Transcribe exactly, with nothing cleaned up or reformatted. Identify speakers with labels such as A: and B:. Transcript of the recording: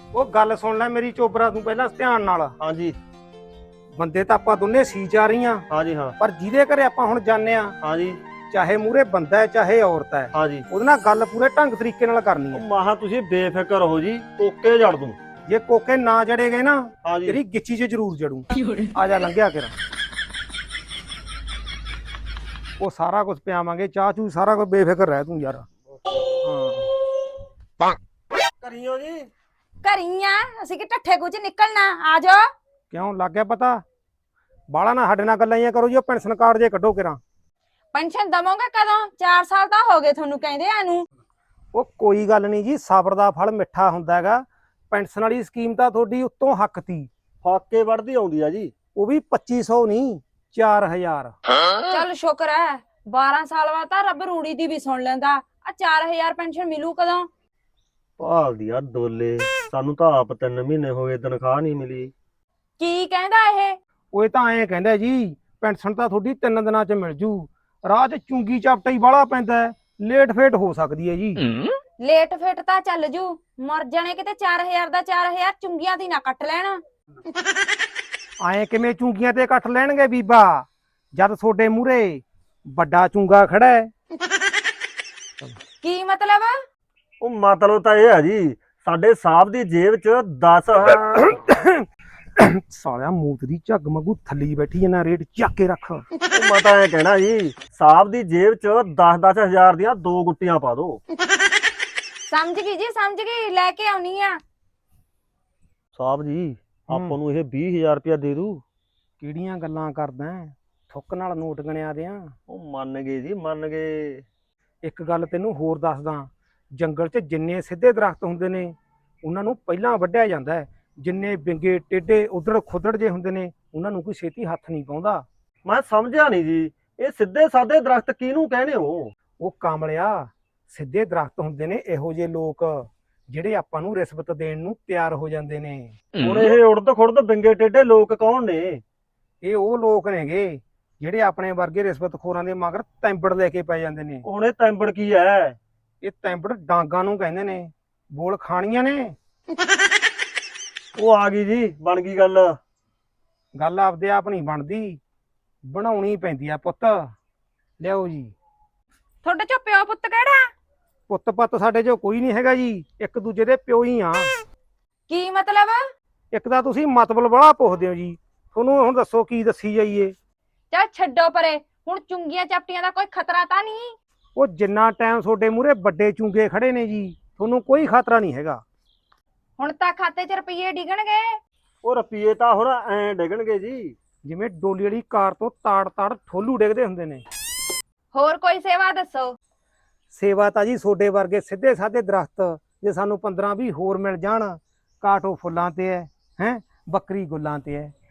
A: ਉਹ ਗੱਲ ਸੁਣ ਲੈ ਮੇਰੀ ਚੋਬਰਾ ਤੂੰ ਪਹਿਲਾਂ ਧਿਆਨ ਨਾਲ।
B: ਹਾਂਜੀ
A: ਬੰਦੇ ਤਾਂ ਆਪਾਂ ਦੋਨੇ ਸੀ ਜਾ ਰਹੀਆਂ,
B: ਹਾਂਜੀ ਹਾਂ
A: ਪਰ ਜਿਹਦੇ ਘਰੇ ਆਪਾਂ ਹੁਣ ਜਾਂਦੇ ਆ,
B: ਹਾਂਜੀ
A: ਚਾਹੇ ਮੂਰੇ ਬੰਦਾ ਹੈ ਚਾਹੇ ਔਰਤ ਹੈ,
B: ਹਾਂਜੀ
A: ਉਹਦੇ ਨਾਲ ਗੱਲ ਪੂਰੇ ਢੰਗ ਤਰੀਕੇ ਨਾਲ ਕਰਨੀ
B: ਉਹ
A: ਹੈ।
B: ਮਾਹਾ ਤੁਸੀਂ ਬੇਫਿਕਰ ਹੋ ਜੀ, ਕੋਕੇ ਜੜ ਦੂੰ।
A: ਜੇ ਕੋਕੇ ਨਾ ਜੜੇ ਗਏ ਨਾ,
B: ਹਾਂਜੀ
A: ਤੇਰੀ ਗਿੱਚੀ 'ਚ ਜ਼ਰੂਰ ਜੜੂ। ਆ ਜਾ ਲੰਘਿਆ ਕਰ, ਉਹ ਸਾਰਾ ਕੁਝ ਪਿਆਵਾਂਗੇ, ਚਾਹ ਚੂ ਸਾਰਾ ਕੁਝ, ਬੇਫਿਕਰ ਰਹਿ ਤੂੰ ਯਾਰ। ਹਾਂ
B: ਕਰੀਓ ਜੀ।
C: ਘਰੀ ਆ ਅਸੀਂ ਕਿ ਠੱਠੇ ਕੁਝ ਨਿਕਲਣਾ। ਆ ਜਾ।
A: ਕਿਉਂ ਲੱਗ ਗਿਆ ਪਤਾ? ਬਾਲਾ ਨਾ ਸਾਡੇ ਨਾਲ ਗੱਲਾਂ ਹੀ ਕਰੋ ਜੀ। ਉਹ ਪੈਨਸ਼ਨ ਕਾਰਡ ਜੇ ਕੱਢੋ ਕਿਰਾਂ।
C: ਪੈਨਸ਼ਨ ਦਵੋਗੇ ਕਦੋਂ? ਚਾਰ ਸਾਲ ਤਾਂ ਹੋ ਗਏ ਤੁਹਾਨੂੰ ਕਹਿੰਦੇ ਆ ਨੂੰ।
A: ਉਹ ਕੋਈ ਗੱਲ ਨਹੀਂ ਜੀ, ਸਬਰ ਦਾ ਫਲ ਮਿੱਠਾ ਹੁੰਦਾ ਹੈਗਾ। ਪੈਨਸ਼ਨ ਵਾਲੀ ਸਕੀਮ ਤਾਂ ਤੁਹਾਡੀ ਉੱਤੋਂ ਹੱਕ ਤੀ,
B: ਫਾਕੇ ਵੜਦੀ ਆਉਂਦੀ ਆ ਜੀ।
A: ਉਹ ਵੀ ਪੱਚੀ ਸੌ ਨਹੀਂ, ਚਾਰ ਹਜ਼ਾਰ।
C: ਚੱਲ ਸ਼ੁਕਰ ਹੈ, ਬਾਰਾਂ ਸਾਲ ਬਾਅਦ ਤਾਂ ਰੱਬ ਰੂੜੀ ਦੀ ਵੀ ਸੁਣ ਲੈਂਦਾ। ਆ ਚਾਰ ਹਜ਼ਾਰ ਪੈਨਸ਼ਨ ਮਿਲੂ ਕਦੋਂ?
B: ਭਾਲਦੀ ਆ ਡੋਲੇ, ਸਾਨੂੰ ਤਾਂ ਆਪ ਤਿੰਨ ਮਹੀਨੇ ਹੋ ਗਏ ਤਨਖਾਹ ਨਹੀਂ ਮਿਲੀ।
C: ਕੀ ਕਹਿੰਦਾ ਇਹ?
A: ਉਹ ਇਹ ਤਾਂ ਐਂ ਕਹਿੰਦਾ ਜੀ, ਪੈਨਸ਼ਨ ਤਾਂ ਤੁਹਾਡੀ ਤਿੰਨ ਦਿਨਾਂ 'ਚ ਮਿਲ ਜੂ। ਰਾਹ 'ਚ ਚੁੰਗੀ ਚਾਪਟਾ ਹੀ ਬਾਹਲਾ ਪੈਂਦਾ ਹੈ, ਲੇਟ ਫੇਟ ਹੋ ਸਕਦੀ ਹੈ ਜੀ।
C: ਲੇਟ ਫੇਟ ਤਾਂ ਚੱਲ ਜੂ, ਮਰ ਜਾਣੇ ਕਿਤੇ। ਚਾਰ ਹਜ਼ਾਰ ਦਾ ਚਾਰ ਹਜ਼ਾਰ ਚੁੰਗੀਆਂ ਦੀ ਨਾ ਕੱਟ ਲੈਣ।
A: ਐਂ ਕਿਵੇਂ ਚੁੰਗੀਆਂ ਤੇ ਕੱਟ ਲੈਣਗੇ ਬੀਬਾ, ਜਦ ਤੁਹਾਡੇ ਮੂਹਰੇ ਵੱਡਾ ਚੁੰਗਾ ਖੜਾ ਹੈ।
C: ਕੀ ਮਤਲਬ?
B: ਉਹ ਮਤਲਬ ਤਾਂ ਇਹ ਆ ਜੀ, ਸਾਡੇ ਸਾਹਿਬ ਦੀ ਜੇਬ 'ਚ ਦਸ
A: ਸਾਲਿਆ ਮੂਤ ਦੀ ਝੱਗ ਵਾਂਗੂ ਥੱਲੀ ਬੈਠੀ ਇਹਨਾਂ ਰੇਟ ਚੱਕ ਕੇ ਰੱਖ।
B: ਉਹ ਮੈਂ ਤਾਂ ਇਹ ਕਹਿਣਾ ਜੀ, ਸਾਹਿਬ ਦੀ ਜੇਬ 'ਚ ਦਸ ਦਸ ਹਜ਼ਾਰ ਦੀਆਂ ਦੋ ਗੁੱਟੀਆਂ ਪਾ ਦੋ।
C: ਸਮਝ ਗਈ ਜੀ, ਸਮਝ ਗਈ। ਲੈ ਕੇ ਆਉਣੀ ਆ।
B: ਸਾਹਿਬ ਜੀ ਆਪਾਂ ਨੂੰ ਇਹ ਵੀਹ ਹਜ਼ਾਰ ਰੁਪਇਆ ਦੇ ਦੂ।
A: ਕਿਹੜੀਆਂ ਗੱਲਾਂ ਕਰਦਾ, ਥੁੱਕ ਨਾਲ ਨੋਟ ਗਣਿਆ ਦਿਆਂ।
B: ਉਹ ਮੰਨ ਗਏ ਜੀ, ਮੰਨ ਗਏ।
A: ਇੱਕ ਗੱਲ ਤੈਨੂੰ ਹੋਰ ਦੱਸਦਾ, ਜੰਗਲ 'ਚ ਜਿੰਨੇ ਸਿੱਧੇ ਦਰਖਤ ਹੁੰਦੇ ਨੇ ਉਹਨਾਂ ਨੂੰ ਪਹਿਲਾਂ ਵੱਢਿਆ ਜਾਂਦਾ ਹੈ। ਜਿੰਨੇ ਵਿੰਗੇ ਟੇਢੇ ਉਧੜ ਖੁੱਦੜ ਜੇ ਹੁੰਦੇ ਨੇ ਉਹਨਾਂ ਨੂੰ ਕੋਈ ਛੇਤੀ ਹੱਥ ਨਹੀਂ ਪਾਉਂਦਾ।
B: ਮੈਂ ਸਮਝਿਆ ਨਹੀਂ ਜੀ, ਇਹ ਸਿੱਧੇ ਸਾਦੇ ਦਰਖਤ ਕਿਹਨੂੰ ਕਹਿੰਦੇ ਹੋ?
A: ਉਹ ਕਾਮਲਿਆ, ਸਿੱਧੇ ਦਰਖਤ ਹੁੰਦੇ ਨੇ ਇਹੋ ਜਿਹੇ ਲੋਕ ਜਿਹੜੇ ਆਪਾਂ ਨੂੰ ਰਿਸ਼ਵਤ ਦੇਣ ਨੂੰ ਤਿਆਰ ਹੋ ਜਾਂਦੇ ਨੇ।
B: ਹੁਣ ਇਹ ਉੜਦ ਖੁੜਦ ਵਿੰਗੇ ਟੇਢੇ ਲੋਕ ਕੌਣ ਨੇ?
A: ਇਹ ਉਹ ਲੋਕ ਨੇਗੇ ਜਿਹੜੇ ਆਪਣੇ ਵਰਗੇ ਰਿਸ਼ਵਤਖੋਰਾਂ ਦੇ ਮਗਰ ਤੈਂਬੜ ਲੈ ਕੇ ਪੈ ਜਾਂਦੇ ਨੇ।
B: ਹੁਣ ਇਹ ਤੈਂਬੜ ਕੀ ਹੈ?
A: ਇਹ ਤੈਂਬੜ ਡਾਂਗਾਂ ਨੂੰ ਕਹਿੰਦੇ ਨੇ, ਬੋਲ ਖਾਣੀਆਂ ਨੇ।
B: ਉਹ ਆ ਗਈ ਜੀ, ਬਣ ਗਈ ਗੱਲ।
A: ਗੱਲ ਆਪਦੇ ਆਪ ਨਹੀਂ ਬਣਦੀ, ਬਣਾਉਣੀ ਪੈਂਦੀ ਆ ਪੁੱਤ। ਲਿਆਓ ਜੀ।
C: ਤੁਹਾਡੇ ਚੋਂ ਪਿਓ ਪੁੱਤ ਕਿਹੜਾ?
A: ਪੁੱਤ ਪੱਤ ਸਾਡੇ ਚੋਂ ਕੋਈ ਨਹੀਂ ਹੈਗਾ ਜੀ, ਇੱਕ ਦੂਜੇ ਦੇ ਪਿਓ ਹੀ ਆ।
C: ਕੀ ਮਤਲਬ?
A: ਇੱਕ ਤਾਂ ਤੁਸੀਂ ਮਤਲਬ ਬੜਾ ਪੁੱਛਦੇ ਹੋ ਜੀ, ਤੁਹਾਨੂੰ ਹੁਣ ਦੱਸੋ ਕੀ ਦੱਸੀ ਜਾਈਏ।
C: ਚੱਲ ਛੱਡੋ ਪਰੇ, ਹੁਣ ਚੁੰਗੀਆਂ ਚਾਪਟੀਆਂ ਦਾ ਕੋਈ ਖਤਰਾ ਤਾਂ ਨਹੀਂ?
A: ਉਹ ਜਿੰਨਾ ਟਾਈਮ ਤੁਹਾਡੇ ਮੂਹਰੇ ਵੱਡੇ ਚੁੰਗੇ ਖੜੇ ਨੇ ਜੀ, ਤੁਹਾਨੂੰ ਕੋਈ ਖਤਰਾ ਨਹੀਂ ਹੈਗਾ।
C: ਹੁਣ ਤਾਂ ਖਾਤੇ 'ਚ ਰੁਪਈਏ ਡਿੱਗਣਗੇ।
B: ਉਹ ਰੁਪਈਏ ਤਾਂ ਹੁਣ ਐ ਡਿੱਗਣਗੇ ਜੀ,
A: ਜਿਵੇਂ ਡੋਲੀ ਵਾਲੀ ਕਾਰ ਤੋਂ ਤਾੜ ਤਾੜ ਠੋਲੂ ਡਿੱਗਦੇ ਹੁੰਦੇ ਨੇ।
C: ਹੋਰ ਕੋਈ ਸੇਵਾ ਦੱਸੋ।
A: ਸੇਵਾ ਤਾਂ ਜੀ ਤੁਹਾਡੇ ਵਰਗੇ ਸਿੱਧੇ ਸਾਦੇ ਦਰਖਤ ਜੇ ਸਾਨੂੰ ਪੰਦਰਾਂ ਵੀਹ ਹੋਰ ਮਿਲ ਜਾਣ, ਕਾਟੋ ਫੁੱਲਾਂ ਤੇ ਹੈ, ਹੈ ਬੱਕਰੀ ਗੁੱਲਾਂ ਤੇ ਹੈ,